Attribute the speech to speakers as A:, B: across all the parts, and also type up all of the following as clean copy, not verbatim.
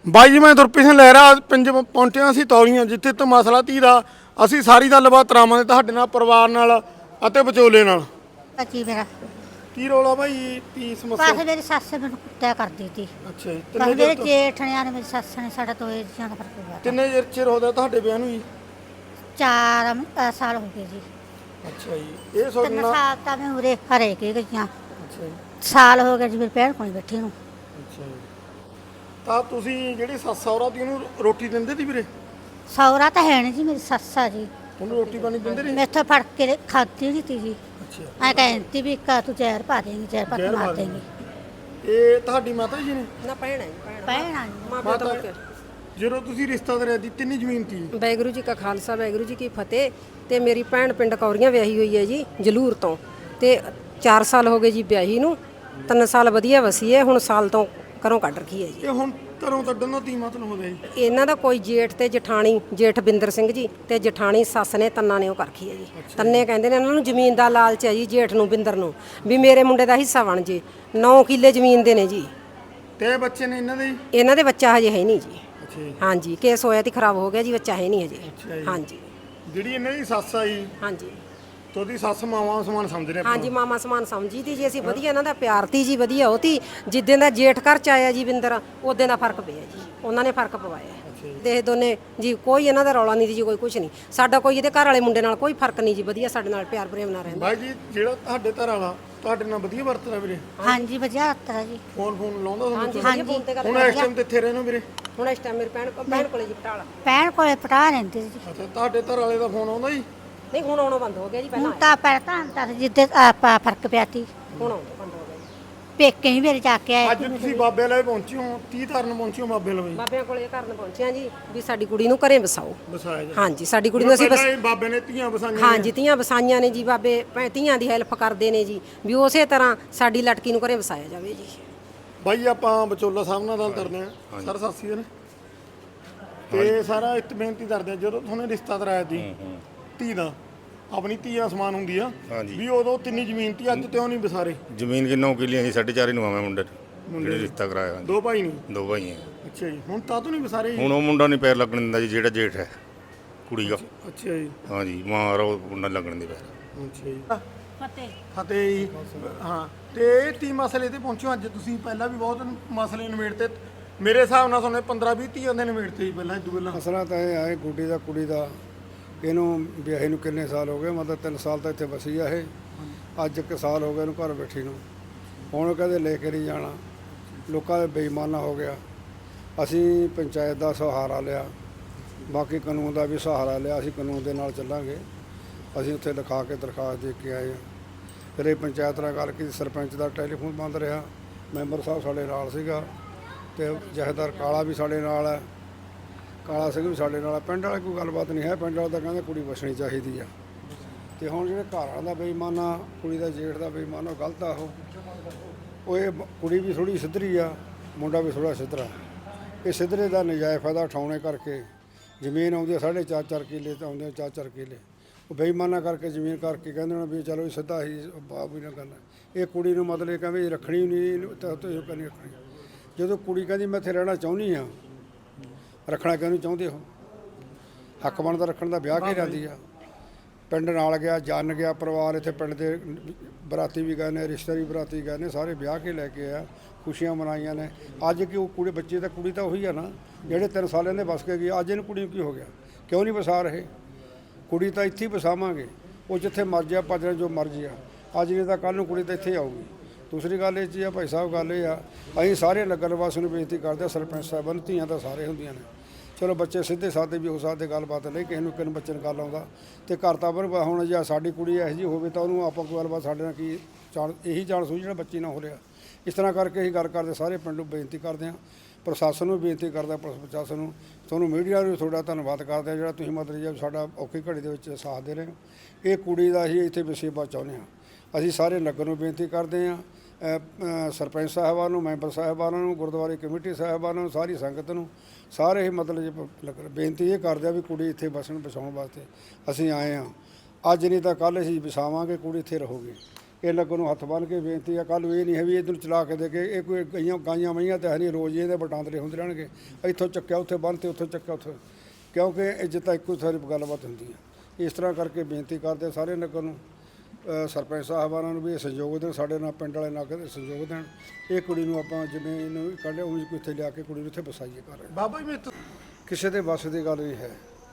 A: ਬਾਈ ਜੀ ਮੈਂ ਗੁਰਪ੍ਰੀਤ ਸਿੰਘ ਲਹਿਰਾ ਪਿੰਡ ਪਹੁੰਚਿਆ ਸੀ ਤੌਲੀਆਂ ਜਿੱਥੇ ਤੋਂ ਮਸਲਾ ਧੀ ਦਾ ਅਸੀਂ ਸਾਰੀ ਗੱਲਬਾਤ ਕਰਾਵਾਂਗੇ ਤੁਹਾਡੇ ਨਾਲ ਪਰਿਵਾਰ ਨਾਲ ਅਤੇ ਵਿਚੋਲੇ ਨਾਲ।
B: ਅੱਛੀ ਮੇਰਾ
A: ਕੀ ਰੋਲਾ ਬਾਈ ਕੀ ਸਮੱਸਿਆ?
B: ਬਸ ਮੇਰੀ ਸੱਸ ਮੈਨੂੰ ਕੁੱਟਿਆ ਕਰਦੀ ਸੀ।
A: ਅੱਛਾ ਜੀ
B: ਬਸ ਮੇਰੇ ਜੇਠਣਿਆਂ ਨੇ ਮੇਰੀ ਸੱਸ ਨੇ ਸਾਡਾ ਤੋਂ ਇਹ ਜਿਆਦਾ ਫਰਕ ਪਿਆ।
A: ਕਿੰਨੇ ਚਿਰ ਹੋ ਗਿਆ ਤੁਹਾਡੇ ਵਿਆਹ ਨੂੰ ਜੀ?
B: 4 ਸਾਲ ਹੋ ਗਏ ਜੀ।
A: ਅੱਛਾ ਜੀ ਇਹ
B: 3
A: ਸੋਚਣਾ।
B: ਸਾਲ ਤਾਂ ਮੈਂ ਉਰੇ ਹਰੇ ਕੇ ਗਈਆਂ।
A: ਅੱਛਾ ਜੀ
B: ਸਾਲ ਹੋ ਗਿਆ ਜੀ ਮੇਰੇ ਭੈਣ ਕੋਲ ਬੈਠੀ ਨੂੰ।
A: ਅੱਛਾ ਜੀ ਤਾਂ ਤੁਸੀਂ ਜਿਹੜੀ ਸੱਸ ਸਹੁਰਾ ਦੀ ਉਹਨੂੰ ਰੋਟੀ ਦਿੰਦੇ ਸੀ ਵੀਰੇ?
B: ਸੌਰਾ ਤਾਂ ਹੈ ਨਹੀਂ ਜੀ, ਮੇਰੀ ਸੱਸ ਆ ਜੀ।
A: ਉਹਨੂੰ ਰੋਟੀ ਪਾਣੀ ਦਿੰਦੇ ਨਹੀਂ?
B: ਮੈਥੋਂ ਫੜ ਕੇ ਖਾਦੀ ਨਹੀਂ ਤੀ ਜੀ।
A: ਅੱਛਾ
B: ਐ ਕਹਿੰਦੀ ਵੀ ਕਾ ਤੂੰ ਜ਼ਹਿਰ ਪਾ ਦੇਂਗੀ, ਜ਼ਹਿਰ ਪਾ ਕੇ
A: ਜ਼ਹਿਰ ਪਾ
B: ਮਾਰ
A: ਦੇਂਗੀ।
B: ਦੇਂਗੀ।
A: ਇਹ ਤੁਹਾਡੀ ਮਾਤਾ ਜੀ ਨੇ?
C: ਨਾ ਭੈਣ ਹੈ ਜੀ,
B: ਭੈਣ ਆ ਜੀ।
A: ਮਾਤਾ ਜਦੋਂ ਤੁਸੀਂ ਰਿਸ਼ਤਾ ਕਰਿਆ ਦੀ ਕਿੰਨੀ ਜ਼ਮੀਨ ਸੀ?
C: ਵਾਹਿਗੁਰੂ ਜੀ ਕਾ ਖਾਲਸਾ ਵਾਹਿਗੁਰੂ ਜੀ ਕੀ ਫਤਿਹ। ਤੇ ਮੇਰੀ ਭੈਣ ਪਿੰਡ ਕੌਰੀਆਂ ਵਿਆਹੀ ਹੋਈ ਹੈ ਜੀ ਜਲੂਰ ਤੋਂ, ਤੇ 4 ਸਾਲ ਹੋ ਗਏ ਜੀ ਵਿਆਹੀ ਨੂੰ। 3 ਸਾਲ ਵਧੀਆ ਵਸੀ ਹੈ, ਹੁਣ ਸਾਲ ਤੋਂ ਘਰੋਂ ਕੱਢ ਰੱਖੀ ਹੈ ਜੀ।
A: ਇਹ ਹੁਣ ਘਰੋਂ ਕੱਢਣ ਦਾ ਕੀ ਮਤਲਬ ਹੁੰਦਾ ਜੀ?
C: ਇਹਨਾਂ ਦਾ ਕੋਈ ਜੇਠ ਤੇ ਜਠਾਣੀ, ਜੇਠ ਬਿੰਦਰ ਸਿੰਘ ਜੀ ਤੇ ਜਠਾਣੀ ਸੱਸ ਨੇ ਤੰਨਾ ਨੇ ਉਹ ਕਰਖੀ ਹੈ ਜੀ। ਤੰਨੇ ਕਹਿੰਦੇ ਨੇ ਇਹਨਾਂ ਨੂੰ ਜ਼ਮੀਨ ਦਾ ਲਾਲਚ ਹੈ ਜੀ, ਜੇਠ ਨੂੰ ਬਿੰਦਰ ਨੂੰ, ਵੀ ਮੇਰੇ ਮੁੰਡੇ ਦਾ ਹਿੱਸਾ ਬਣ ਜੇ। 9 ਕਿੱਲੇ ਜ਼ਮੀਨ ਦੇ ਨੇ ਜੀ।
A: ਤੇ ਬੱਚੇ ਨੇ ਇਹਨਾਂ ਦੇ ਜੀ?
C: ਇਹਨਾਂ ਦੇ ਬੱਚਾ ਹਜੇ ਹੈ ਨਹੀਂ ਜੀ।
A: ਅੱਛਾ ਜੀ
C: ਹਾਂਜੀ ਕੇਸ ਹੋਇਆ ਤੇ ਖਰਾਬ ਹੋ ਗਿਆ ਜੀ, ਬੱਚਾ ਹੈ ਨਹੀਂ
A: ਅੱਛਾ
C: ਹਜੇ।
A: ਜੀ।
C: ਹਾਂਜੀ
A: ਜਿਹੜੀ ਇਹਨਾਂ ਦੀ ਸੱਸ ਆ ਜੀ
C: ਹਾਂਜੀ
A: ਤੇ ਉਹਦੀ ਸੱਸ ਮਾਵਾਂ ਸਮਾਨ ਸਮਝਦੇ ਆਪਾਂ?
C: ਹਾਂਜੀ ਮਾਮਾ ਸਮਾਨ ਸਮਝੀ ਤੀ ਜੀ ਅਸੀਂ, ਵਧੀਆ ਇਹਨਾਂ ਦਾ ਪਿਆਰ ਤੀ ਜੀ, ਵਧੀਆ ਉਹ ਤੀ। ਜਿੱਦਾਂ ਦਾ ਜੇਠ ਘਰ ਚ ਆਇਆ ਜੀ ਬਿੰਦਰ, ਉਦੋਂ ਦਾ ਫਰਕ ਪਿਆ ਜੀ, ਉਹਨਾਂ ਨੇ ਫਰਕ ਪਵਾਇਆ। ਤੇ ਇਹ ਦੋਨੇ ਜੀ ਕੋਈ ਇਹਨਾਂ ਦਾ ਰੌਲਾ ਨਹੀਂ ਜੀ, ਕੋਈ ਕੁਝ ਨਹੀਂ ਸਾਡਾ, ਕੋਈ ਇਹਦੇ ਘਰ ਵਾਲੇ ਮੁੰਡੇ ਨਾਲ ਕੋਈ ਫਰਕ ਨਹੀਂ ਜੀ, ਵਧੀਆ ਸਾਡੇ ਨਾਲ ਪਿਆਰ ਪ੍ਰੇਮ ਨਾਲ ਰਹਿੰਦਾ।
A: ਬਾਈ ਜੀ ਜਿਹੜਾ ਤੁਹਾਡੇ ਘਰ ਵਾਲਾ ਤੁਹਾਡੇ ਨਾਲ ਵਧੀਆ ਵਰਤਦਾ ਵੀਰੇ?
B: ਹਾਂਜੀ ਵਧੀਆ ਹੱਤਰਾ ਜੀ।
A: ਫੋਨ ਲਾਉਂਦਾ ਤੁਹਾਨੂੰ?
C: ਹਾਂਜੀ ਫੋਨ ਤੇ ਗੱਲ।
A: ਹੁਣ ਇਸ ਟਾਈਮ ਤੇ ਇੱਥੇ ਰਹਿੰਦੇ ਹੋ ਵੀਰੇ?
C: ਹੁਣ ਇਸ ਟਾਈਮ ਮੇਰੀ ਭੈਣ ਕੋਲੇ ਜੀ ਪਟਾਲਾ।
B: ਭੈਣ ਕੋਲੇ ਪਟਾ ਰਹਿੰਦੇ ਜੀ।
A: ਅੱਛਾ ਤੁਹਾਡੇ ਘਰ ਵਾਲੇ ਦਾ ਫੋਨ ਆਉਂਦਾ ਜੀ?
C: ਨਹੀਂ ਹੁਣ ਆਉਣਾ ਬੰਦ ਹੋ ਗਿਆ ਜੀ, ਪਹਿਲਾਂ
B: ਹੁਣ ਤਾਂ ਪਹਿਲਾਂ ਤਾਂ ਜਿੱਦੇ ਆਪਾਂ ਫਰਕ ਪਿਆ ਤੀ
C: ਹੁਣ ਆਉਂਦਾ ਬੰਦ ਹੋ ਗਿਆ ਜੀ।
B: ਪੇਕੇ ਹੀ ਮੇਰੇ ਜਾ ਕੇ ਆਏ
A: ਅੱਜ ਤੁਸੀਂ ਬਾਬੇ ਲਵੇ ਪਹੁੰਚੇ ਹੋ, ਕੀ ਧਰਨ ਪਹੁੰਚੇ ਹੋ ਬਾਬੇ ਲਵੇ?
C: ਬਾਬਿਆਂ ਕੋਲੇ ਕਰਨ ਪਹੁੰਚਿਆ ਜੀ, ਵੀ ਸਾਡੀ ਕੁੜੀ ਨੂੰ ਘਰੇ ਵਸਾਓ।
A: ਵਸਾਇਆ ਜੀ?
C: ਹਾਂਜੀ ਸਾਡੀ ਕੁੜੀ ਨੂੰ ਅਸੀਂ
A: ਪਹਿਲਾਂ ਹੀ ਬਾਬੇ ਨੇ ਧੀਆਂ ਵਸਾਈਆਂ?
C: ਹਾਂਜੀ ਧੀਆਂ ਵਸਾਈਆਂ ਨੇ ਜੀ, ਬਾਬੇ ਧੀਆਂ ਦੀ ਹੈਲਪ ਕਰਦੇ ਨੇ ਜੀ, ਵੀ ਉਸੇ ਤਰ੍ਹਾਂ ਸਾਡੀ ਲੜਕੀ ਨੂੰ ਘਰੇ ਵਸਾਇਆ ਜਾਵੇ ਜੀ।
A: ਬਾਈ ਆਪਾਂ ਵਿਚੋਲਾ ਸਾਹਿਬ ਨਾਲ ਗੱਲ ਕਰਦੇ ਹਾਂ। ਸਰ ਸਤਿ ਸ਼੍ਰੀ ਅਕਾਲ। ਤੇ ਸਾਰਾ ਇੱਕ ਬੇਨਤੀ ਕਰਦੇ ਆ, ਜਦੋਂ ਤੁਹਾਨੂੰ ਰਿਸ਼ਤਾ ਕਰਾਇਆ ਸੀ ਧੀ ਦਾ, ਆਪਣੀ ਧੀ ਅਸਮਾਨ ਹੁੰਦੀ ਆ ਵੀ, ਉਦੋਂ ਤਿੰਨੀ ਜ਼ਮੀਨ ਤੀ, ਅੱਜ ਤੇ ਉਹ ਨਹੀਂ ਵਿਸਾਰੇ?
D: ਜ਼ਮੀਨ ਕਿੰਨੋਂ ਕਿੱਲੀਆਂ ਸੀ? 4.5 ਨੂੰ ਆਵਾਂ ਮੁੰਡੇ ਜਿਹੜੇ ਰਿਸ਼ਤਾ ਕਰਾਇਆ।
A: 2 ਭਾਈ ਨਹੀਂ?
D: 2 ਭਾਈ ਹੈ।
A: ਅੱਛਾ ਜੀ ਹੁਣ ਤਾਂ ਨਹੀਂ ਵਿਸਾਰੇ ਜੀ?
D: ਹੁਣ ਉਹ ਮੁੰਡਾ ਨਹੀਂ ਪੈਰ ਲੱਗਣ ਦਿੰਦਾ ਜੀ, ਜਿਹੜਾ ਜੇਠ ਹੈ ਕੁੜੀ ਦਾ।
A: ਅੱਛਾ ਜੀ
D: ਹਾਂਜੀ ਮਾਰ ਉਹ ਮੁੰਡਾ ਲੱਗਣ ਦੇ ਪੈਰ।
A: ਅੱਛਾ ਜੀ
B: ਫਤਿਹ
A: ਫਤਿਹ ਜੀ। ਹਾਂ ਤੇ ਇਹ ਤੀ ਮਸਲੇ ਤੇ ਪਹੁੰਚੋ ਅੱਜ ਤੁਸੀਂ? ਪਹਿਲਾਂ ਵੀ ਬਹੁਤ ਮਸਲੇ ਨਿਬੇੜਤੇ ਮੇਰੇ ਹਿਸਾਬ ਨਾਲ, ਤੁਹਾਨੂੰ 15-20 ਧੀਆਂ ਦੇ ਨਿਬੇੜਤੇ ਜੀ ਪਹਿਲਾਂ, ਇਦੋਂ ਪਹਿਲਾਂ।
E: ਮਸਲਾ ਤਾਂ ਇਹ ਹੈ ਕੁੜੀ ਦਾ ਇਹਨੂੰ ਵਿਆਹੀ ਨੂੰ ਕਿੰਨੇ ਸਾਲ ਹੋ ਗਏ, ਮਤਲਬ 3 ਸਾਲ ਤਾਂ ਇੱਥੇ ਵਸੀ ਆ ਇਹ। ਅੱਜ 1 ਸਾਲ ਹੋ ਗਿਆ ਇਹਨੂੰ ਘਰ ਬੈਠੀ ਨੂੰ। ਹੁਣ ਕਹਿੰਦੇ ਲੈ ਕੇ ਨਹੀਂ ਜਾਣਾ, ਲੋਕਾਂ ਦੇ ਬੇਈਮਾਨਾ ਹੋ ਗਿਆ। ਅਸੀਂ ਪੰਚਾਇਤ ਦਾ ਸਹਾਰਾ ਲਿਆ, ਬਾਕੀ ਕਾਨੂੰਨ ਦਾ ਵੀ ਸਹਾਰਾ ਲਿਆ, ਅਸੀਂ ਕਾਨੂੰਨ ਦੇ ਨਾਲ ਚੱਲਾਂਗੇ। ਅਸੀਂ ਉੱਥੇ ਲਿਖਾ ਕੇ ਦਰਖਾਸਤ ਦੇ ਕੇ ਆਏ ਹਾਂ। ਫਿਰ ਇਹ ਪੰਚਾਇਤ ਨਾਲ ਗੱਲ ਕੀਤੀ, ਸਰਪੰਚ ਦਾ ਟੈਲੀਫੋਨ ਬੰਦ ਰਿਹਾ, ਮੈਂਬਰ ਸਾਹਿਬ ਸਾਡੇ ਨਾਲ ਸੀਗਾ, ਤੇ ਜਥੇਦਾਰ ਕਾਲਾ ਵੀ ਸਾਡੇ ਨਾਲ ਹੈ, ਕਾਲਾ ਸਿੰਘ ਵੀ ਸਾਡੇ ਨਾਲ। ਪਿੰਡ ਵਾਲੇ ਕੋਈ ਗੱਲਬਾਤ ਨਹੀਂ ਹੈ, ਪਿੰਡ ਵਾਲੇ ਤਾਂ ਕਹਿੰਦੇ ਕੁੜੀ ਵਸਣੀ ਚਾਹੀਦੀ ਆ। ਤੇ ਹੁਣ ਜਿਹੜੇ ਘਰ ਵਾਲਿਆਂ ਦਾ ਬੇਈਮਾਨਾ, ਕੁੜੀ ਦਾ ਜੇਠ ਦਾ ਬੇਈਮਾਨਾ, ਉਹ ਗਲਤ ਆ। ਉਹ ਇਹ ਕੁੜੀ ਵੀ ਥੋੜ੍ਹੀ ਸਿੱਧਰੀ ਆ, ਮੁੰਡਾ ਵੀ ਥੋੜ੍ਹਾ ਸਿੱਧਰਾ। ਇਹ ਸਿੱਧਰੇ ਦਾ ਨਜਾਇਜ਼ ਫਾਇਦਾ ਉਠਾਉਣੇ ਕਰਕੇ ਜ਼ਮੀਨ ਆਉਂਦੀ ਆ 4.5 ਕਿੱਲੇ, ਤਾਂ ਆਉਂਦੇ 4 ਕਿੱਲੇ। ਉਹ ਬੇਈਮਾਨਾ ਕਰਕੇ ਜ਼ਮੀਨ ਕਰਕੇ ਕਹਿੰਦੇ ਨੇ ਵੀ ਚਲੋ ਸਿੱਧਾ ਹੀ ਬਾਪ ਵੀ ਨਾ ਕਰਨਾ। ਇਹ ਕੁੜੀ ਨੂੰ ਮਤਲਬ ਕਹਿੰਦੇ ਰੱਖਣੀ ਨਹੀਂ, ਤਾਂ ਇਹ ਕਹਿੰਦੀ ਰੱਖਣੀ। ਜਦੋਂ ਕੁੜੀ ਕਹਿੰਦੀ ਮੈਂ ਇੱਥੇ ਰਹਿਣਾ ਚਾਹੁੰਦੀ ਹਾਂ, ਰੱਖਣਾ ਕਿਉਂ ਨਹੀਂ ਚਾਹੁੰਦੇ ਹੋ? ਹੱਕ ਬਣਦਾ ਰੱਖਣ ਦਾ, ਵਿਆਹ ਕੇ ਜਾਂਦੀ ਆ। ਪਿੰਡ ਨਾਲ ਗਿਆ, ਜਨ ਗਿਆ ਪਰਿਵਾਰ, ਇੱਥੇ ਪਿੰਡ ਦੇ ਬਰਾਤੀ ਵੀ ਗਏ ਨੇ, ਰਿਸ਼ਤੇਦਾਰ ਵੀ ਬਰਾਤੀ ਗਏ ਨੇ, ਸਾਰੇ ਵਿਆਹ ਕੇ ਲੈ ਕੇ ਆ, ਖੁਸ਼ੀਆਂ ਮਨਾਈਆਂ ਨੇ। ਅੱਜ ਕਿ ਉਹ ਕੁੜੀ ਬੱਚੇ ਤਾਂ ਕੁੜੀ ਤਾਂ ਉਹੀ ਆ ਨਾ ਜਿਹੜੇ 3 ਸਾਲਾਂ ਦੇ ਵਸ ਕੇ ਗਈ। ਅੱਜ ਇਹਨੂੰ ਕੁੜੀ ਨੂੰ ਕੀ ਹੋ ਗਿਆ? ਕਿਉਂ ਨਹੀਂ ਵਸਾ ਰਹੇ? ਕੁੜੀ ਤਾਂ ਇੱਥੇ ਹੀ ਵਸਾਵਾਂਗੇ, ਉਹ ਜਿੱਥੇ ਮਰਜ਼ੀ ਆ ਭੱਜ ਜੋ ਮਰਜ਼ੀ ਆ। ਅੱਜ ਨਹੀਂ ਤਾਂ ਕੱਲ੍ਹ ਨੂੰ ਕੁੜੀ ਤਾਂ ਇੱਥੇ ਹੀ ਆਊਗੀ। ਦੂਸਰੀ ਗੱਲ ਇਹ 'ਚ ਆ ਭਾਈ ਸਾਹਿਬ, ਗੱਲ ਇਹ ਆ ਅਸੀਂ ਸਾਰੇ ਨਗਰ ਵਾਸੀਆਂ ਨੂੰ ਬੇਨਤੀ ਕਰਦੇ ਹਾਂ, ਸਰਪੰਚ ਸਾਹਿਬਾਨ, ਧੀਆਂ ਤਾਂ ਸਾਰੇ ਹੁੰਦੀਆਂ ਨੇ, ਚਲੋ ਬੱਚੇ ਸਿੱਧੇ ਸਾਦੇ ਵੀ ਹੋ ਸਕਦੇ, ਗੱਲਬਾਤ ਨਹੀਂ, ਕਿਸੇ ਨੂੰ ਬੱਚੇ ਨੂੰ ਗੱਲ ਆਉਂਦਾ। ਤੇ ਘਰ ਤਾਂ ਹੁਣ ਜੇ ਸਾਡੀ ਕੁੜੀ ਇਹੋ ਜਿਹੀ ਹੋਵੇ ਤਾਂ ਉਹਨੂੰ ਆਪਾਂ ਕੋਈ ਗੱਲਬਾਤ ਸਾਡੇ ਨਾਲ ਕੀ ਇਹੀ ਚਾਂਸ ਹੋਈ ਜਿਹੜਾ ਬੱਚੀ ਨਾ ਹੋ ਰਿਹਾ। ਇਸ ਤਰ੍ਹਾਂ ਕਰਕੇ ਅਸੀਂ ਗੱਲ ਕਰਦੇ, ਸਾਰੇ ਪਿੰਡ ਨੂੰ ਬੇਨਤੀ ਕਰਦੇ ਹਾਂ, ਪ੍ਰਸ਼ਾਸਨ ਨੂੰ ਬੇਨਤੀ ਕਰਦਾ, ਪੁਲਿਸ ਪ੍ਰਸ਼ਾਸਨ ਨੂੰ, ਤੁਹਾਨੂੰ ਮੀਡੀਆ ਨੂੰ ਤੁਹਾਡਾ ਧੰਨਵਾਦ ਕਰਦੇ ਹਾਂ ਜਿਹੜਾ ਤੁਸੀਂ ਮਤਲਬ ਸਾਡਾ ਔਖੀ ਘੜੀ ਦੇ ਵਿੱਚ ਸਾਥ ਦੇ ਰਹੇ ਹੋ। ਇਹ ਕੁੜੀ ਦਾ ਅਸੀਂ ਇੱਥੇ ਵਸੇਬਾ ਚਾਹੁੰਦੇ ਹਾਂ। ਅਸੀਂ ਸਾਰੇ ਨਗਰ ਨੂੰ ਬੇਨਤੀ ਕਰਦੇ ਹਾਂ, ਸਰਪੰਚ ਸਾਹਿਬਾਨ ਨੂੰ, ਮੈਂਬਰ ਸਾਹਿਬਾਨਾਂ ਨੂੰ, ਗੁਰਦੁਆਰੇ ਕਮੇਟੀ ਸਾਹਿਬਾਨਾਂ ਨੂੰ, ਸਾਰੀ ਸੰਗਤ ਨੂੰ, ਸਾਰੇ ਮਤਲਬ ਬੇਨਤੀ ਇਹ ਕਰਦੇ ਆ ਵੀ ਕੁੜੀ ਇੱਥੇ ਵਸਾਉਣ ਵਾਸਤੇ ਅਸੀਂ ਆਏ ਹਾਂ। ਅੱਜ ਨਹੀਂ ਤਾਂ ਕੱਲ੍ਹ ਅਸੀਂ ਵਸਾਵਾਂਗੇ, ਕੁੜੀ ਇੱਥੇ ਰਹੂਗੀ। ਇਹ ਲੱਗੋਂ ਨੂੰ ਹੱਥ ਬੰਨ੍ਹ ਕੇ ਬੇਨਤੀ ਆ। ਕੱਲ੍ਹ ਇਹ ਨਹੀਂ ਹੈ ਵੀ ਇੱਧਰ ਚਲਾ ਕੇ ਦੇ ਕੇ ਇਹ ਕੋਈ ਗਾਈਆਂ ਮਈਆਂ ਤਾਂ ਹੈ ਨਹੀਂ, ਰੋਜ਼ ਇਹਦੇ ਵਟਾਂਦਰੇ ਹੁੰਦੇ ਰਹਿਣਗੇ। ਇੱਥੋਂ ਚੱਕਿਆ ਉੱਥੇ ਬੰਨ੍ਹਤੇ, ਉੱਥੋਂ ਚੱਕਿਆ ਉੱਥੇ, ਕਿਉਂਕਿ ਇੱਜ਼ਤ ਤਾਂ ਇੱਕੋ ਸਾਰੀ ਗੱਲਬਾਤ ਹੁੰਦੀ ਹੈ। ਇਸ ਤਰ੍ਹਾਂ ਕਰਕੇ ਬੇਨਤੀ ਕਰਦੇ ਸਾਰੇ ਨਗਰ ਨੂੰ, ਸਰਪੰਚ ਸਾਹਿਬਾਨਾਂ ਨੂੰ ਵੀ ਇਹ ਸਹਿਯੋਗ ਦੇਣ, ਸਾਡੇ ਨਾਲ ਪਿੰਡ ਵਾਲੇ ਨਗਰ ਸਹਿਯੋਗ ਦੇਣ। ਇਹ ਕੁੜੀ ਨੂੰ ਆਪਾਂ ਜਿਵੇਂ ਇਹਨੂੰ ਕੱਢਿਆ ਉਹ ਇੱਥੇ ਲਿਆ ਕੇ ਕੁੜੀ ਨੂੰ ਇੱਥੇ ਵਸਾਈਏ ਕਰ
A: ਬਾਬਾ ਜੀ
E: ਕਿਸੇ ਦੇ ਵੱਸ ਦੀ ਗੱਲ ਨਹੀਂ ਹੈ।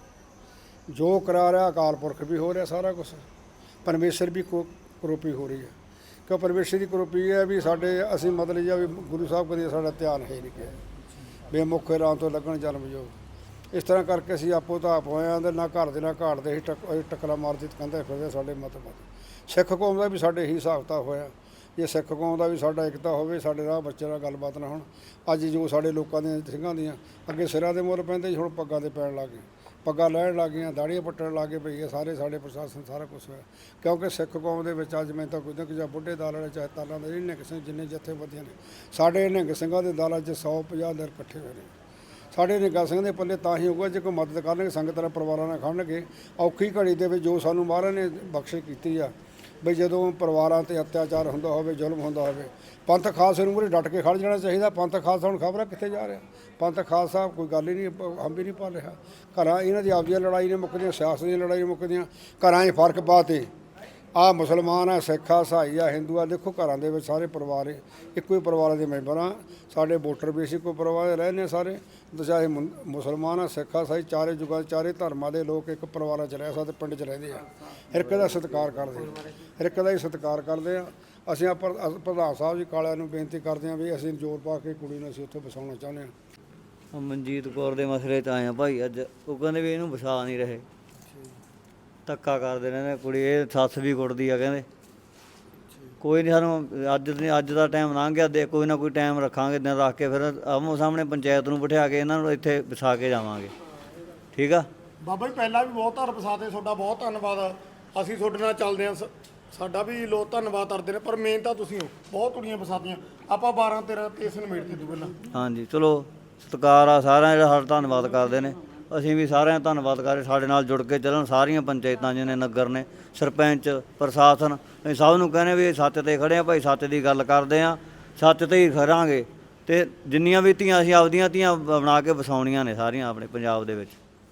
E: ਜੋ ਕਰਾ ਰਿਹਾ ਅਕਾਲ ਪੁਰਖ ਵੀ ਹੋ ਰਿਹਾ, ਸਾਰਾ ਕੁਝ ਪਰਮੇਸ਼ਰ ਵੀ ਕਰੋਪੀ ਹੋ ਰਹੀ ਹੈ। ਕਿਉਂ ਪਰਮੇਸ਼ਰ ਦੀ ਕਰੋਪੀ ਹੈ ਵੀ ਸਾਡੇ ਅਸੀਂ ਮਤਲਬ ਜਿਹਾ ਵੀ ਗੁਰੂ ਸਾਹਿਬ ਕਦੇ ਸਾਡਾ ਧਿਆਨ ਹੈ ਨਹੀਂ ਕਿਹਾ ਬੇਮੁਖੇ ਰਾਹ ਤੋਂ ਲੱਗਣ ਜਨਮ ਯੋਗ। ਇਸ ਤਰ੍ਹਾਂ ਕਰਕੇ ਅਸੀਂ ਆਪੋ ਤਾਂ ਆਪ ਹੋਏ ਹਾਂ ਤੇ ਨਾ ਘਰ ਦੇ ਨਾ ਘਾਟ ਦੇ ਹੀ ਟੱਕਰਾ ਮਾਰਦੀ ਕਹਿੰਦੇ ਫਿਰਦੇ ਸਾਡੇ ਮਤ ਸਿੱਖ ਕੌਮ ਦਾ ਵੀ ਸਾਡੇ ਹੀ ਹਿਸਾਬ ਕਿਤਾਬ ਹੋਇਆ। ਜੇ ਸਿੱਖ ਕੌਮ ਦਾ ਵੀ ਸਾਡਾ ਏਕਤਾ ਹੋਵੇ, ਸਾਡੇ ਰਾਹ ਬੱਚੇ ਨਾਲ ਗੱਲਬਾਤ ਨਾ ਹੋਣ। ਅੱਜ ਜੋ ਸਾਡੇ ਲੋਕਾਂ ਦੀਆਂ ਸਿੰਘਾਂ ਦੀਆਂ ਅੱਗੇ ਸਿਰਾਂ ਦੇ ਮੁੱਲ ਪੈਂਦੇ ਸੀ, ਹੁਣ ਪੱਗਾਂ ਦੇ ਪੈਣ ਲੱਗ ਗਏ, ਪੱਗਾਂ ਲੈਣ ਲੱਗ ਗਈਆਂ, ਦਾੜੀਆਂ ਪੱਟਣ ਲੱਗ ਗਏ ਪਈ। ਸਾਰੇ ਸਾਡੇ ਪ੍ਰਸ਼ਾਸਨ ਸਾਰਾ ਕੁਛ ਹੋਇਆ ਕਿਉਂਕਿ ਸਿੱਖ ਕੌਮ ਦੇ ਵਿੱਚ ਅੱਜ ਮੈਂ ਤਾਂ ਕੋਈ ਨਾ ਜਾਂ ਬੁੱਢੇ ਦਲ ਵਾਲੇ ਚਾਹੇ ਤਾਲਾਂ ਦੇ ਨਿਹੰਗ ਸਿੰਘ ਜਿੰਨੇ ਜਥੇਬੰਦੀਆਂ ਨੇ, ਸਾਡੇ ਨਿਹੰਗ ਸਿੰਘਾਂ ਦੇ ਦਲਾਂ 'ਚ 150 ਦਿਨ ਇਕੱਠੇ ਹੋਏ ਨੇ। ਸਾਡੇ ਨਿਹੰਗ ਸਿੰਘ ਦੇ ਪੱਲੇ ਤਾਂ ਹੀ ਹੋਊਗਾ ਜੇ ਕੋਈ ਮਦਦ ਕਰਨਗੇ, ਸੰਗਤ ਨਾਲ ਪਰਿਵਾਰਾਂ ਨਾਲ ਖੜਨਗੇ। ਔਖੀ ਘੜੀ ਦੇ ਵਿੱਚ ਜੋ ਸਾਨੂੰ ਮਹਾਰਾਜ ਨੇ ਬਖਸ਼ਿਸ਼ ਕੀਤੀ ਆ ਬਈ ਜਦੋਂ ਪਰਿਵਾਰਾਂ 'ਤੇ ਅਤਿਆਚਾਰ ਹੁੰਦਾ ਹੋਵੇ, ਜ਼ੁਲਮ ਹੁੰਦਾ ਹੋਵੇ, ਪੰਥ ਖਾਲਸੇ ਨੂੰ ਮੂਹਰੇ ਡਟ ਕੇ ਖੜ ਜਾਣਾ ਚਾਹੀਦਾ। ਪੰਥ ਖਾਲਸਾ ਹੁਣ ਖਬਰ ਕਿੱਥੇ ਜਾ ਰਿਹਾ? ਪੰਥ ਖਾਲਸਾ ਕੋਈ ਗੱਲ ਹੀ ਨਹੀਂ, ਹਮ ਵੀ ਨਹੀਂ ਪਾ ਰਿਹਾ। ਘਰਾਂ ਇਹਨਾਂ ਦੀ ਆਪਦੀਆਂ ਲੜਾਈ ਨੇ ਮੁੱਕਦੀਆਂ, ਸਿਆਸਤ ਦੀਆਂ ਲੜਾਈ ਮੁੱਕਦੀਆਂ, ਘਰਾਂ 'ਚ ਫਰਕ ਪਾਤੇ। ਆਹ ਮੁਸਲਮਾਨ ਆ, ਸਿੱਖ ਆ, ਈਸਾਈ ਆ, ਹਿੰਦੂ ਆ, ਦੇਖੋ ਘਰਾਂ ਦੇ ਵਿੱਚ ਸਾਰੇ ਪਰਿਵਾਰ ਇੱਕੋ ਹੀ ਪਰਿਵਾਰਾਂ ਦੇ ਮੈਂਬਰ ਆ। ਸਾਡੇ ਵੋਟਰ ਵੀ ਅਸੀਂ ਕੋਈ ਪਰਿਵਾਰ ਦੇ ਰਹਿੰਦੇ ਸਾਰੇ, ਚਾਹੇ ਮੁਸਲਮਾਨ ਆ, ਸਿੱਖ ਆ, ਈਸਾਈ, ਚਾਰੇ ਜੁਗਾਂ ਚਾਰੇ ਧਰਮਾਂ ਦੇ ਲੋਕ ਇੱਕ ਪਰਿਵਾਰਾਂ 'ਚ ਰਹਿ ਸਕਦੇ, ਪਿੰਡ 'ਚ ਰਹਿੰਦੇ ਆ। ਹਰ ਇੱਕ ਦਾ ਸਤਿਕਾਰ ਕਰਦੇ, ਹਰ ਇੱਕ ਦਾ ਹੀ ਸਤਿਕਾਰ ਕਰਦੇ ਆ। ਅਸੀਂ ਪ੍ਰਧਾਨ ਸਾਹਿਬ ਜੀ ਕਾਲਿਆਂ ਨੂੰ ਬੇਨਤੀ ਕਰਦੇ ਹਾਂ ਵੀ ਅਸੀਂ ਜ਼ੋਰ ਪਾ ਕੇ ਕੁੜੀ ਨੂੰ ਅਸੀਂ ਉੱਥੇ ਵਸਾਉਣਾ ਚਾਹੁੰਦੇ ਹਾਂ।
F: ਮਨਜੀਤ ਕੌਰ ਦੇ ਮਸਲੇ 'ਚ ਆਏ ਆ ਭਾਈ ਅੱਜ। ਉਹ ਕਹਿੰਦੇ ਵੀ ਇਹਨੂੰ ਵਸਾ ਨਹੀਂ ਰਹੇ, ਧੱਕਾ ਕਰਦੇ ਰਹਿੰਦੇ ਕੁੜੀ। ਇਹ ਸੱਸ ਵੀ ਕੁੱਟਦੀ ਆ ਕਹਿੰਦੇ। ਕੋਈ ਨਹੀਂ, ਸਾਨੂੰ ਅੱਜ ਦਾ ਟਾਈਮ ਲੰਘ ਗਿਆ, ਦੇ ਕੋਈ ਨਾ ਕੋਈ ਟਾਈਮ ਰੱਖਾਂਗੇ, ਦਿਨ ਰੱਖ ਕੇ ਫਿਰ ਆਮੋ ਸਾਹਮਣੇ ਪੰਚਾਇਤ ਨੂੰ ਬਿਠਾ ਕੇ ਇਹਨਾਂ ਨੂੰ ਇੱਥੇ ਵਸਾ ਕੇ ਜਾਵਾਂਗੇ। ਠੀਕ ਆ
A: ਬਾਬਾ ਜੀ, ਪਹਿਲਾਂ ਵੀ ਬਹੁਤ ਧਰ ਵਸਾਤੇ, ਤੁਹਾਡਾ ਬਹੁਤ ਧੰਨਵਾਦ। ਅਸੀਂ ਤੁਹਾਡੇ ਨਾਲ ਚੱਲਦੇ ਹਾਂ, ਸਾਡਾ ਵੀ ਲੋਕ ਧੰਨਵਾਦ ਕਰਦੇ ਨੇ, ਪਰ ਮੇਨ ਤਾਂ ਤੁਸੀਂ ਹੋ। ਬਹੁਤ ਕੁੜੀਆਂ ਵਸਾਤੀਆਂ ਆਪਾਂ 12-13 ਤੇ ਇਸ ਨਿਬੇੜ ਤੇ ਪਹਿਲਾਂ।
F: ਹਾਂਜੀ ਚਲੋ, ਸਤਿਕਾਰ ਆ ਸਾਰਿਆਂ ਜਿਹੜਾ ਸਾਡਾ ਧੰਨਵਾਦ ਕਰਦੇ ਨੇ। ਅਸੀਂ ਵੀ ਸਾਰਿਆਂ ਦਾ ਧੰਨਵਾਦ ਕਰਦੇ, ਸਾਡੇ ਨਾਲ ਜੁੜ ਕੇ ਚੱਲਣ ਸਾਰੀਆਂ ਪੰਚਾਇਤਾਂ ਜਿਹਨੇ ਨਗਰ ਨੇ, ਸਰਪੰਚ, ਪ੍ਰਸ਼ਾਸਨ, ਅਸੀਂ ਸਭ ਨੂੰ ਕਹਿੰਦੇ ਵੀ ਸੱਚ 'ਤੇ ਖੜ੍ਹੇ ਆ ਭਾਈ, ਸੱਚ ਦੀ ਗੱਲ ਕਰਦੇ ਆ, ਸੱਚ 'ਤੇ ਹੀ ਖੜਾਂਗੇ। ਅਤੇ ਜਿੰਨੀਆਂ ਵੀ ਧੀਆਂ ਅਸੀਂ ਆਪਦੀਆਂ ਧੀਆਂ ਬਣਾ ਕੇ ਵਸਾਉਣੀਆਂ ਨੇ ਸਾਰੀਆਂ ਆਪਣੇ ਪੰਜਾਬ ਦੇ ਵਿੱਚ।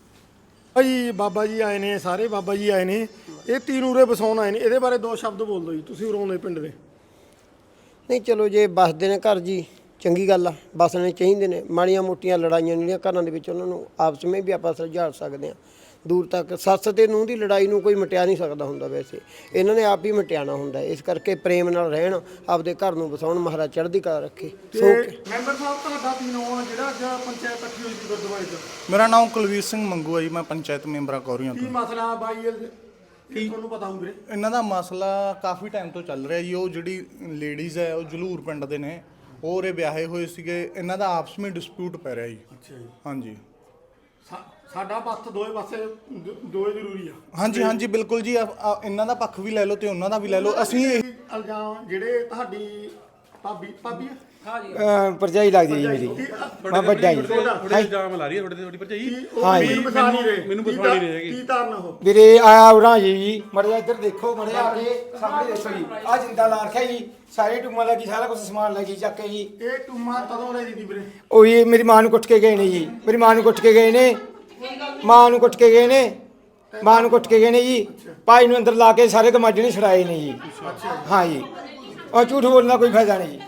A: ਭਾਈ ਬਾਬਾ ਜੀ ਆਏ ਨੇ, ਸਾਰੇ ਬਾਬਾ ਜੀ ਆਏ ਨੇ, ਇਹ ਤੀਨ ਉਰੇ ਵਸਾਉਣ ਆਏ ਨੇ। ਇਹਦੇ ਬਾਰੇ 2 ਸ਼ਬਦ ਬੋਲ ਦਿਓ ਜੀ, ਤੁਸੀਂ ਉਰੋਂ ਦੇ ਪਿੰਡ ਦੇ।
G: ਨਹੀਂ ਚਲੋ, ਜੇ ਵੱਸਦੇ ਨੇ ਘਰ ਜੀ ਚੰਗੀ ਗੱਲ ਆ, ਵੱਸਣੇ ਚਾਹੀਦੇ ਨੇ। ਮਾੜੀਆਂ ਮੋਟੀਆਂ ਲੜਾਈਆਂ ਜਿਹੜੀਆਂ ਘਰਾਂ ਦੇ ਵਿੱਚ ਉਹਨਾਂ ਨੂੰ ਆਪਸ ਵਿੱਚ ਵੀ ਆਪਾਂ ਸੁਲਝਾ ਸਕਦੇ ਹਾਂ ਦੂਰ ਤੱਕ। ਸੱਸ ਤੇ ਨੂੰਹ ਦੀ ਲੜਾਈ ਨੂੰ ਕੋਈ ਮਿਟਿਆ ਨਹੀਂ ਸਕਦਾ ਹੁੰਦਾ, ਵੈਸੇ ਇਹਨਾਂ ਨੇ ਆਪ ਹੀ ਮਿਟਿਆਣਾ ਹੁੰਦਾ। ਇਸ ਕਰਕੇ ਪ੍ਰੇਮ ਨਾਲ ਰਹਿਣ, ਆਪਦੇ ਘਰ ਨੂੰ ਵਸਾਉਣ, ਮਹਾਰਾਜ ਚੜ੍ਹਦੀ ਕਲਾ ਰੱਖੇ।
A: ਮੈਂਬਰ ਸਾਹਿਬ ਤੁਹਾਡਾ ਕੀ ਨਾਮ ਆ ਜਿਹੜਾ ਅੱਜ ਪੰਚਾਇਤ ਇਕੱਠੀ ਹੋਈ ਸੀ ਗੁਰਦੁਆਰੇ 'ਚ?
H: ਮੇਰਾ ਨਾਮ ਕੁਲਵੀਰ ਸਿੰਘ ਮੰਗੂ ਹੈ ਜੀ, ਮੈਂ ਪੰਚਾਇਤ ਮੈਂਬਰਾਂ ਕੌਰੀਆਂ
A: ਕੀ
H: ਤੋਂ।
A: ਮਸਲਾ ਬਾਈ ਕੀ ਤੁਹਾਨੂੰ ਪਤਾ ਹੋਊ ਵੀਰੇ?
H: ਇਹਨਾਂ ਦਾ ਮਸਲਾ ਕਾਫੀ ਟਾਈਮ ਤੋਂ ਚੱਲ ਰਿਹਾ ਜੀ। ਉਹ ਜਿਹੜੀ ਲੇਡੀਜ਼ ਹੈ ਉਹ ਜਲੂਰ ਪਿੰਡ ਦੇ ਨੇ, ਉਹ ਉਰੇ ਵਿਆਹੇ ਹੋਏ ਸੀਗੇ। ਇਹਨਾਂ ਦਾ ਆਪਸ ਵਿੱਚ ਡਿਸਪਿਊਟ ਪੈ ਰਿਹਾ ਜੀ।
A: ਅੱਛਾ ਜੀ।
H: ਹਾਂਜੀ
A: ਸਾਡਾ ਪੱਖ ਦੋਵੇਂ ਪਾਸੇ ਦੋਵੇਂ ਜ਼ਰੂਰੀ ਆ।
H: ਹਾਂਜੀ ਹਾਂਜੀ ਬਿਲਕੁਲ ਜੀ। ਇਹਨਾਂ ਦਾ ਪੱਖ ਵੀ ਲੈ ਲਓ ਤੇ ਉਹਨਾਂ ਦਾ ਵੀ ਲੈ ਲਓ। ਅਸੀਂ
A: ਇਲਜ਼ਾਮ ਜਿਹੜੇ ਤੁਹਾਡੀ ਭਾਬੀ
I: ਪਰਚਾਈ ਲੱਗਦੀ ਜੀ ਮੇਰੀ, ਮੈਂ ਵੱਡਾ ਜੀ।
J: ਥੋੜੇ ਇਲਜ਼ਾਮ ਲਾ ਰਹੀ ਹੈ ਤੁਹਾਡੀ ਭਰਜਾਈ।
I: ਹਾਂ ਜੀ,
A: ਮੈਨੂੰ ਬਸਾ ਨਹੀਂ ਰਹੇ,
J: ਮੈਨੂੰ ਬਸਾ ਨਹੀਂ ਰਹੇਗੀ।
A: ਕੀ ਤਾਰਨ ਉਹ
I: ਵੀਰੇ ਆਇਆ ਉਰਾਂ ਜੀ, ਮੜਿਆ ਇੱਧਰ ਦੇਖੋ, ਮੜਿਆ ਆ ਕੇ ਸਾਹਮਣੇ ਦੇਖੋ ਜੀ, ਆ ਜਿੰਦਾ ਲਾ ਰੱਖਿਆ ਜੀ, ਸਾਰੇ ਟੂਮਾਂ ਲੱਗੀ, ਸਾਰਾ ਕੁਝ ਸਮਾਨ ਲੱਗੀ ਚੱਕ ਕੇ ਜੀ।
A: ਇਹ ਟੂਮਾ ਕਦੋਂ ਲੈ ਜੀ ਵੀਰੇ?
I: ਉਹ ਜੀ ਮੇਰੀ ਮਾਂ ਨੂੰ ਕੁੱਟ ਕੇ ਗਏ ਨੇ ਜੀ, ਮੇਰੀ ਮਾਂ ਨੂੰ ਕੁੱਟ ਕੇ ਗਏ ਨੇ, ਮਾਂ ਨੂੰ ਕੁੱਟ ਕੇ ਗਏ ਨੇ, ਮਾਂ ਨੂੰ ਕੁੱਟ ਕੇ ਗਏ ਨੇ ਜੀ। ਭਾਈ ਨੂੰ ਅੰਦਰ ਲਾ ਕੇ ਸਾਰੇ ਕਮਾਡੇ ਨੇ ਛੁਡਾਏ ਨੇ ਜੀ। ਹਾਂ ਜੀ, ਉਹ ਝੂਠ ਬੋਲਣ ਦਾ ਕੋਈ ਫਾਇਦਾ ਨਹੀਂ ਜੀ।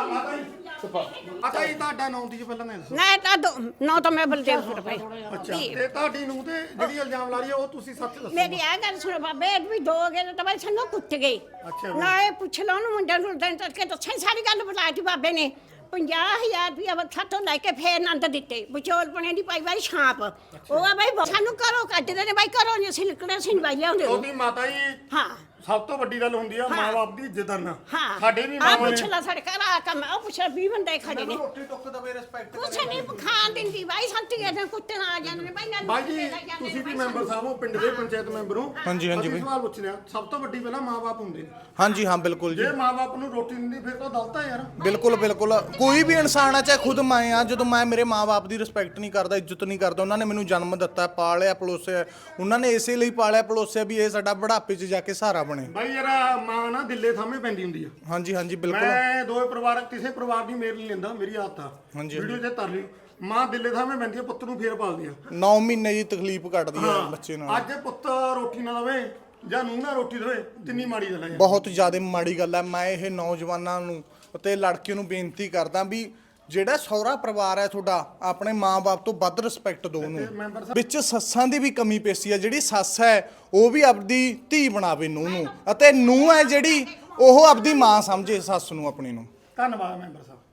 A: ਅੱਛਾ ਜੀ, ਤੁਹਾਡਾ ਨਾਮ ਦੀ ਪਹਿਲਾਂ ਮੈਂ
K: ਨਹੀਂ ਤਾਂ ਨਾ ਤਾਂ ਮੈਂ ਬਲਦੇਵ ਭਾਈ।
A: ਅੱਛਾ, ਤੇ ਤੁਹਾਡੀ ਨੂੰ ਤੇ ਜਿਹੜੀ ਇਲਜ਼ਾਮ ਲਾ ਰਹੀ ਹੈ ਉਹ ਤੁਸੀਂ ਸੱਚ ਦੱਸੋ।
K: ਮੇਰੀ ਇਹ ਗੱਲ ਸੁਣ ਬਾਬੇ, ਇਹ ਵੀ 2 ਗਏ ਤਾਂ ਬਾਈ ਸਾਨੂੰ ਕੁੱਟ ਗਏ।
A: ਅੱਛਾ
K: ਨਾ ਇਹ ਪੁੱਛ ਲਓ ਉਹਨੂੰ ਮੁੰਡੇ ਨੂੰ ਦਿਨ ਤੱਕ ਦੱਸਾਂ ਸਾਰੀ ਗੱਲ ਬੁਲਾਈ ਬਾਬੇ ਨੇ। 50,000 ਰੁਪਇਆ ਵੱਖਾ ਤੋਂ ਲੈ ਕੇ ਫੇਰ ਆਨੰਦ ਦਿੱਤੇ। ਵਿਚੋਲ ਪਣੇ ਦੀ ਪਾਈ ਵਾਰੀ ਛਾਪ। ਉਹ ਆ ਬਾਈ ਸਾਨੂੰ ਘਰੋਂ ਕੱਢਦੇ ਨੇ ਬਾਈ, ਘਰੋਂ ਨਹੀਂ ਅਸੀਂ ਨਿਕਲੇ, ਅਸੀਂ ਬਾਈ ਲਿਆਉਂਦੇ।
A: ਉਹਦੀ ਮਾਤਾ ਜੀ
K: ਹਾਂ,
A: ਸਭ ਤੋਂ ਵੱਡੀ ਗੱਲ ਹੁੰਦੀ ਆ ਮਾਂ-ਬਾਪ ਦੀ ਇੱਜ਼ਤ ਕਰਨਾ।
K: ਹਾਂ
A: ਸਾਡੇ ਵੀ
K: ਆ
A: ਮਾਂ
K: ਪੁੱਛ ਲਾ ਸਾਡੇ ਘਰ ਆ ਕੰਮ, ਉਹ ਪੁੱਛ 20 ਬੰਦੇ ਖੜੇ ਨੇ।
H: ਰੋਟੀ ਟੁੱਕ ਦਾ ਵੀ ਰਿਸਪੈਕਟ
K: ਕੁਛ ਨਹੀਂ ਖਾਣ ਦਿੰਦੀ ਬਾਈ, ਸੰਤੀ ਇਹਦੇ ਕੁੱਤੇ ਨਾਲ ਆ ਜਾਂਦੇ ਨੇ ਬਾਈ।
A: ਬਾਈ ਜੀ, ਤੁਸੀਂ ਵੀ ਮੈਂਬਰ ਸਾਹਿਬ ਹੋ, ਪਿੰਡ ਦੇ ਪੰਚਾਇਤ ਮੈਂਬਰ ਹੋ।
H: ਹਾਂਜੀ ਹਾਂਜੀ
A: ਅਸੀਂ
H: ਬਈ।
A: ਸਵਾਲ ਪੁੱਛ ਲਿਆ, ਸਭ ਤੋਂ ਵੱਡੀ ਪਹਿਲਾਂ ਮਾਂ-ਬਾਪ ਹੁੰਦੇ ਨੇ।
H: ਹਾਂਜੀ ਹਾਂ ਬਿਲਕੁਲ ਜੀ।
A: ਜੇ ਮਾਂ-ਬਾਪ ਨੂੰ ਰੋਟੀ ਨਹੀਂ ਦਿੰਦੀ ਫਿਰ ਤਾਂ ਗਲਤ ਆ ਯਾਰ।
H: ਬਿਲਕੁਲ ਬਿਲਕੁਲ। ਕੋਈ ਵੀ ਇਨਸਾਨ ਆ, ਚਾਹੇ ਖੁਦ ਮੈਂ ਆ, ਜਦੋਂ ਮੈਂ ਮੇਰੇ ਮਾਂ-ਬਾਪ ਦੀ ਰਿਸਪੈਕਟ ਨਹੀਂ ਕਰਦਾ, ਇੱਜ਼ਤ ਨਹੀਂ ਕਰਦਾ, ਉਹਨਾਂ ਨੇ ਮੈਨੂੰ ਜਨਮ ਦਿੱਤਾ, ਪਾਲਿਆ ਪਲੋਸਿਆ, ਉਹਨਾਂ ਨੇ ਇਸੇ ਲਈ ਪਾਲਿਆ ਪਲੋਸਿਆ ਵੀ ਇਹ ਸਾਡਾ ਬੁਢਾਪੇ 'ਚ ਜਾ ਕੇ ਸਹਾਰਾ ਬਣੇ।
A: ਬਾਈ ਯਾਰ ਮਾਂ ਨਾ ਦਿੱਲੇ ਸਾਹਮਣੇ ਪੈਂਦੀ ਹੁੰਦੀ ਆ।
H: ਹਾਂਜੀ ਹਾਂਜੀ ਬਿਲਕੁਲ।
A: ਮੈਂ ਦੋਵੇਂ ਪਰਿਵਾਰ ਕਿਸੇ ਪਰਿਵਾਰ ਦੀ ਮੇਰ ਨਹੀਂ ਲੈਂਦਾ, ਮੇਰੀ ਆਦਤ ਆ।
H: ਹਾਂਜੀ,
A: ਵੀਡੀਓ ਤੇ ਤਰ ਲਈ ਮਾਂ ਦਿੱਲੇ ਸਾਹਮਣੇ ਪੈਂਦੀ ਆ, ਪੁੱਤ ਨੂੰ ਫੇਰ ਪਾਲਦੀ ਆ।
H: 9 ਮਹੀਨੇ ਦੀ ਤਕਲੀਫ ਕੱਟਦੀ ਆ ਬੱਚੇ ਨਾਲ।
A: ਅੱਜ ਪੁੱਤ ਰੋਟੀ ਨਾ ਦਵੇ ਜਾਂ ਨੂੰਹ ਨਾ ਰੋਟੀ ਦੇਵੇ, ਕਿੰਨੀ ਮਾੜੀ ਗੱਲ ਹੈ।
H: ਬਹੁਤ ਜ਼ਿਆਦਾ ਮਾੜੀ ਗੱਲ ਹੈ। ਮੈਂ ਇਹ ਨੌਜਵਾਨਾਂ ਨੂੰ ਅਤੇ ਲੜਕੀਆਂ ਨੂੰ ਬੇਨਤੀ ਕਰਦਾ ਵੀ ਜਿਹੜਾ ਸਹੁਰਾ ਪਰਿਵਾਰ ਹੈ ਤੁਹਾਡਾ, ਆਪਣੇ ਮਾਂ-ਬਾਪ ਤੋਂ ਵੱਧ ਰਿਸਪੈਕਟ ਦਿਓ ਉਹਨੂੰ। ਵਿੱਚ ਸੱਸਾਂ ਦੀ ਵੀ ਕਮੀ ਪੇਸ਼ੀ ਹੈ। ਜਿਹੜੀ ਸੱਸ ਹੈ ਉਹ ਵੀ ਆਪਦੀ ਧੀ ਬਣਾਵੇ ਨੂੰਹ ਨੂੰ, ਅਤੇ ਨੂੰਹ ਹੈ ਜਿਹੜੀ ਉਹ ਆਪਦੀ ਮਾਂ ਸਮਝੇ ਸੱਸ ਨੂੰ ਆਪਣੀ ਨੂੰ।
A: ਧੰਨਵਾਦ ਮੈਂਬਰ ਸਾਹਿਬ।